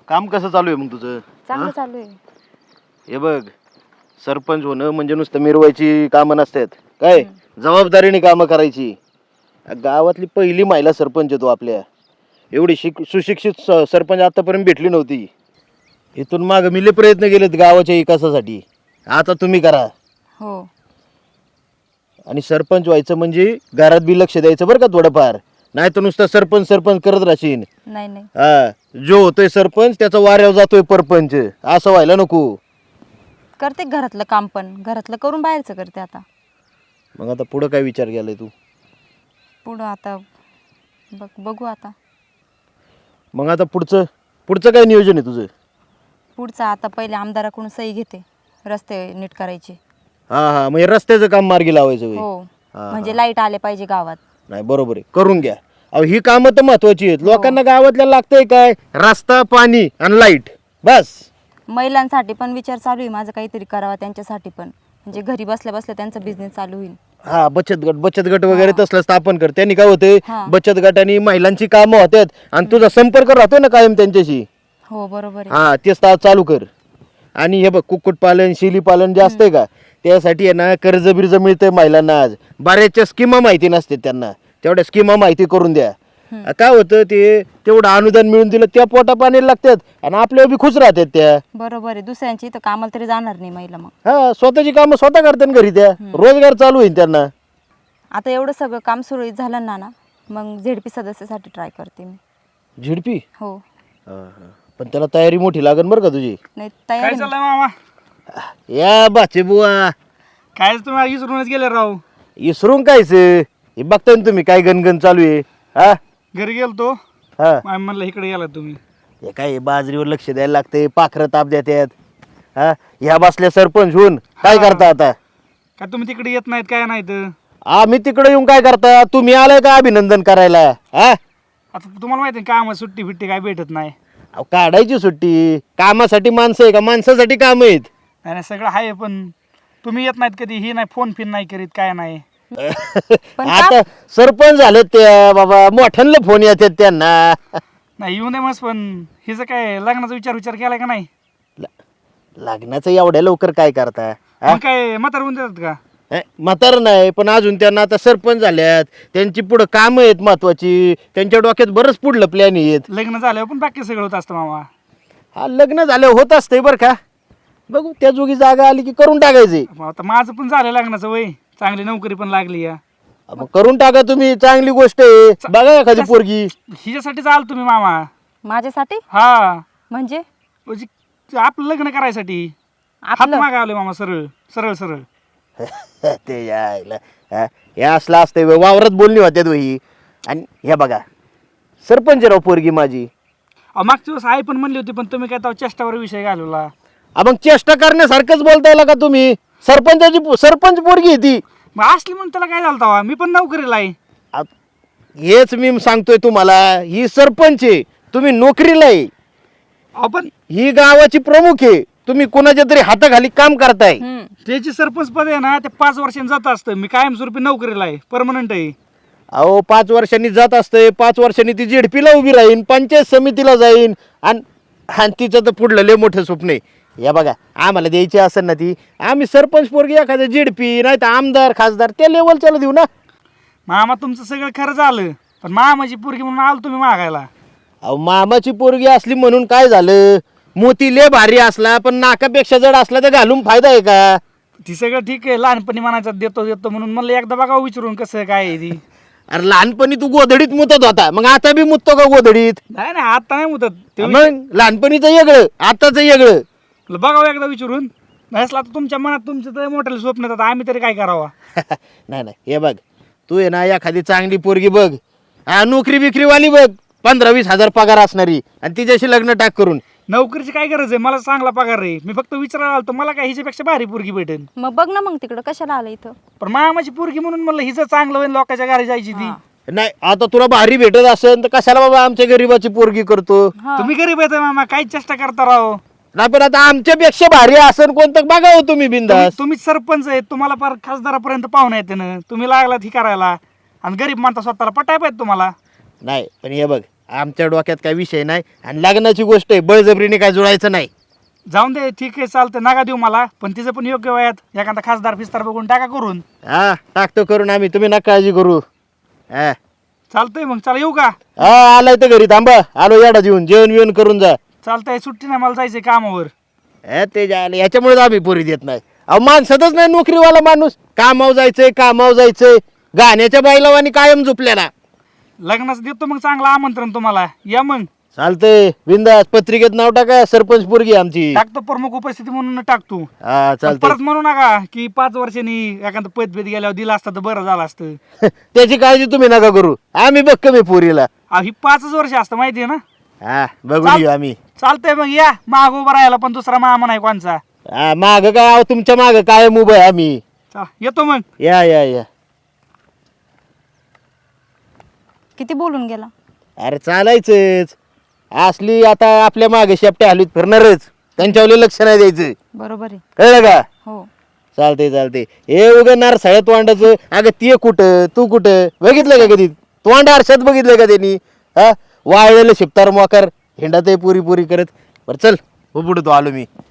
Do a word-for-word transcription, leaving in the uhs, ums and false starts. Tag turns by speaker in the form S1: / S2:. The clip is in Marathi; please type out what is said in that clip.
S1: काम कसं चालू आहे मग तुझं?
S2: चांगलं चालू आहे.
S1: हे बघ, सरपंच होणं म्हणजे नुसतं मिरवायची कामं नसतात काय, जबाबदारीने कामं करायची. गावातली पहिली महिला सरपंच आहे तू आपल्या. एवढी शिक सुशिक्षित स- सरपंच आतापर्यंत भेटली नव्हती. इथून माग मिले प्रयत्न केलेत गावाच्या विकासासाठी. आता तुम्ही करा.
S2: हो.
S1: आणि सरपंच व्हायचं म्हणजे घरात बी लक्ष द्यायचं बरं का थोडंफार. नाही तर नुसतं सरपंच सरपंच करत राहशील.
S2: नाही नाही
S1: हा, जो होतोय सरपंच त्याचा वाऱ्यावर जातोय परपंच, असं व्हायला नको.
S2: करते घरातलं काम, पण घरातलं करून बाहेरचं करते आता.
S1: मग आता पुढं काय विचार केलाय तू?
S2: पुढं आता बघ बघू आता.
S1: मग आता पुढचं पुढचं काय नियोजन आहे तुझं?
S2: पुढचं आता पहिले आमदाराकडून सही घेते रस्ते नीट करायचे.
S1: हा हा, म्हणजे रस्त्याचं काम मार्गी लावायचं होय.
S2: हो,
S1: हा,
S2: म्हणजे लाईट आले पाहिजे गावात.
S1: नाही बरोबर आहे, करून घ्या. अहो ही कामं तर महत्वाची आहेत. लोकांना गावातल्या लागतंय काय? रस्ता, पाणी आणि लाईट, बस.
S2: महिलांसाठी पण विचार चालू आहे माझं, काहीतरी करावा त्यांच्यासाठी पण, म्हणजे घरी बसल्या बसल्या त्यांचा बिझनेस चालू होईल.
S1: हा, बचत गट बचत गट वगैरे तसलं स्थापन कर. त्यांनी काय होते,
S2: हा.
S1: बचत गटाने महिलांची कामं होतात आणि तुझा संपर्क राहतोय ना कायम त्यांच्याशी.
S2: हो बरोबर आहे.
S1: हा, तेच ता- चालू कर. आणि हे बघ, कुक्कुटपालन शेळीपालन जे असतंय का, त्यासाठी आहे ना कर्ज बिर्ज मिळतंय महिलांना. आज बऱ्याचशा स्कीमा माहिती नसते त्यांना, तेवढ्या स्कीमा माहिती करून द्या. काय होतं ते, तेवढं अनुदान मिळून दिलं त्या पोटा पाणी लागतात आणि आपल्या बी खुश राहतात त्या.
S2: बरोबर आहे. दुसऱ्यांची इथं कामाला तरी जाणार नाही महिला. मग
S1: हा, स्वतःची कामं स्वतः करतात घरी, त्या रोजगार चालू होईल त्यांना.
S2: आता एवढं सगळं काम सुरळीत झालं ना ना मग झेडपी सदस्यासाठी ट्राय करते मी.
S1: झिडपी?
S2: हो.
S1: पण त्याला तयारी मोठी लागेल बरं का तुझी.
S2: नाही
S3: काय
S2: तयारी.
S3: चाललंय मामा?
S1: या बाचे बुवा,
S3: काय तुम्ही विसरूनच गेले राव.
S1: इसरून कायच हे बघताय ना तुम्ही काय गणगण चालू आहे. हा
S3: घरी गेलतो,
S1: हा,
S3: मामी म्हणलं इकडे गेला तुम्ही.
S1: हे काय बाजरीवर लक्ष द्यायला लागते, पाखरं ताप देतात. हा, ह्या बसल्या सरपंच होऊन काय करता आता?
S3: काय तुम्ही तिकडे येत नाहीत काय नाहीत?
S1: आम्ही तिकडे येऊन काय करता? तुम्ही आलाय का अभिनंदन करायला? हा,
S3: आता तुम्हाला माहिती आहे काम सुट्टी फिट्टी काय भेटत नाही.
S1: अहो, काढायची सुट्टी. कामासाठी माणसं आहे का? माणसासाठी काम आहेत.
S3: नाही नाही, सगळं आहे, पण तुम्ही येत नाहीत कधी. ही नाही, फोन फिन नाही करीत, काय नाही.
S2: पण
S1: आता सरपंच झाले ते बाबा, मोठ्यांना फोन येतात त्यांना.
S3: नाही येऊ नये मस्त, पण हिचं काय लग्नाचा विचार विचार केलाय का नाही?
S1: ल- लग्नाचं एवढ्या लवकर काय करता? हा?
S3: मग काय म्हातार होऊन देतात का?
S1: हे, म्हातारं नाही, पण अजून त्यांना आता सरपंच झाल्यात, त्यांची पुढं कामं आहेत महत्वाची, त्यांच्या डोक्यात बरंच पुढलं प्लॅन आहेत.
S3: लग्न झाल्यावर पण बाकी सगळं होत असतं मामा.
S1: हा, लग्न झालं होत असतंय बरं का. बघू त्या जोगी जागा आली की करून टाकायचे.
S3: मग आता माझं पण झालं लग्नाचं वय, चांगली नोकरी पण लागली या.
S1: मग करून टाका तुम्ही, चांगली गोष्ट आहे. बघा एखादी पोरगी.
S3: हिच्यासाठीच आलो तुम्ही मामा.
S2: माझ्यासाठी
S3: हा,
S2: म्हणजे
S3: म्हणजे आपलं लग्न करायसाठी हात
S2: आपलं
S3: मागावले मामा, सरळ सरळ सरळ.
S1: ते यायला हा, हे असलं असतंय व्हय. वावरात बोलणी होत्यात वही. आणि हे बघा, सरपंच राव पोरगी माझी.
S3: अहो, मागच्या दिवस आई पण म्हणली होती, पण तुम्ही काय तेव्हा चेष्टावर विषय घालवला.
S1: आ, मग चेष्टा करण्यासारखंच बोलताय का तुम्ही? सरपंचाची पो- सरपंच पोरगी आहे ती.
S3: मग असली म्हणून त्याला काय झालं तेव्हा? मी पण नोकरीला आहे.
S1: आ, हेच मी सांगतोय तुम्हाला, ही सरपंच आहे, तुम्ही नोकरीला आहे.
S3: अहो, पण
S1: ही गावाची प्रमुख आहे, तुम्ही कोणाच्या तरी हाताखाली काम करताय.
S2: हम्म.
S3: त्याची सरपंच पद आहे ना, ते पाच वर्षांनी जात असतं. मी कायमस्वरूपी नोकरीला आहे, परमनंट आहे.
S1: अहो, पाच वर्षांनी जात असते, पाच वर्षांनी ती जेडपीला उभी राहीन, पंचायत समितीला जाईन, आणि आणि तिचं तर पुढलं लय मोठं स्वप्न आहे. या बघा, आम्हाला द्यायची असेल ना ती, आम्ही सरपंच पोरगी एखाद्या जेडपी नाही तर आमदार खासदार त्या लेवलच्याला देऊ ना.
S3: मामा तुमचं सगळं खरं झालं, पण मामाची पोरगी म्हणून आलो तुम्ही मागायला.
S1: अहो, मामाची पोरगी असली म्हणून काय झालं? मोती लय भारी असला पण नाकापेक्षा जड असला तर घालून फायदा आहे का?
S3: ती सगळं ठीक आहे, लहानपणी म्हणायचं देतो देतो म्हणून म्हणलं एकदा बघा विचारून कसं काय आहे ती.
S1: अरे लहानपणी तू गोधडीत मुतत होता, मग आता बी मुततो का गोधडीत?
S3: नाही नाही, आता नाही मुदत ते.
S1: मग लहानपणीचं वेगळं, आताचं वेगळं.
S3: बघावं एकदा विचारून. नसला तर तुमच्या मनात तुमचं तर मोठ्याला स्वप्न येतात, आम्ही तरी काय करावा?
S1: नाही नाही, हे बघ, तू आहे ना एखादी चांगली पोरगी बघ, हा, नोकरी बिक्रीवाली बघ, पंधरा वीस हजार पगार असणारी, आणि तिच्याशी लग्न टाक करून.
S3: नोकरीची काय गरज आहे? मला चांगला पगार आहे. मी फक्त विचारायला आलो मला काय हिच्यापेक्षा भारी पोरगी भेटेल.
S2: मग बघ ना, मग तिकडं कशाला आलं इथं?
S3: पण मामाची पोरगी म्हणून म्हणलं हिचं चांगलं होईल, लोकांच्या घरी जायची ती.
S1: नाही, आता तुला भारी भेटत असेल तर कशाला बाबा आमच्या गरीबाची पोरगी करतो?
S2: हा.
S3: तुम्ही गरीब येत मामा, काय चेष्टा करता राव.
S1: नाही, पण आता आमच्यापेक्षा भारी असेल कोणतं बघावं तुम्ही बिंदास.
S3: तुम्ही सरपंच आहेत, तुम्हाला फार खासदारापर्यंत पाहुणे येते ना, तुम्ही लागलात ही करायला, आणि गरीब माणता स्वतःला पटाय पाहिजे तुम्हाला.
S1: नाही, पण हे बघ, आमच्या डोक्यात काय विषय नाही आणि लग्नाची गोष्ट आहे, बळजबरीने काय जुळायचं नाही.
S3: जाऊन दे, ठीक आहे चालतं, नका देऊ मला, पण तिचं पण योग्य वयात एखादा खासदार फिस्तार बघून टाका करून.
S1: हा टाकतो करून आम्ही, तुम्ही नका काळजी करू. हा
S3: चालतंय मग, चला येऊ का?
S1: हा आलाय तर घरी थांबा, आलो याडा जेवून जेवण बिवण करून जा.
S3: चालतंय, सुट्टी नाही, मला जायचंय कामावर.
S1: हे ते जायला याच्यामुळेच आम्ही पोरी देत नाही. अहो माणसातच नाही नोकरीवाला माणूस, कामावर जायचंय कामावर जायचंय, गाण्याच्या बायलावानी कायम झोपलेला.
S3: लग्नाचं देतो मग चांगलं आमंत्रण तुम्हाला, या मग.
S1: चालतंय बिंदास, पत्रिकेत नाव टाका, सरपंच पोरगी आमची.
S3: टाकतो, प्रमुख उपस्थिती म्हणून टाकतो.
S1: हा
S3: पण
S1: चालतंय.
S3: परत म्हणू नका की पाच वर्षांनी एखादं पद भेद गेल्यावर दिला असता तर बरं झालं असतं.
S1: त्याची काळजी तुम्ही नका करू, आम्ही बघ कमी पोरीला.
S3: अहो, ही पाचच वर्ष असतं माहिती आहे ना.
S1: हा बघून
S3: चाल-
S1: घेऊ आम्ही.
S3: चालतंय मग, या माग उभा राहायला, पण दुसरा मामा नाही कोणचा.
S1: हा माग काय, अहो, तुमच्या माग काय उभं आहे आम्ही.
S3: चा- येतो मग.
S1: या या या.
S2: किती बोलून गेला.
S1: अरे चालायचंच, असली आता आपल्या मागे शेपट्या हलवीत फिरणारच, त्यांच्यावर लक्ष नाही द्यायचं,
S2: बरोबर आहे.
S1: कळलं का?
S2: हो.
S1: चालते चालते. हे उगं नार सळ्यात वांडाचं, अगं ते कुठं तू कुठं बघितलं का कधी? तोंड आरशात बघितलं का त्यांनी? हा वाळलेलं शिपतार मोकार हिंडात पुरी पुरी करत. बरं चल, हो पुढे तो आलो मी.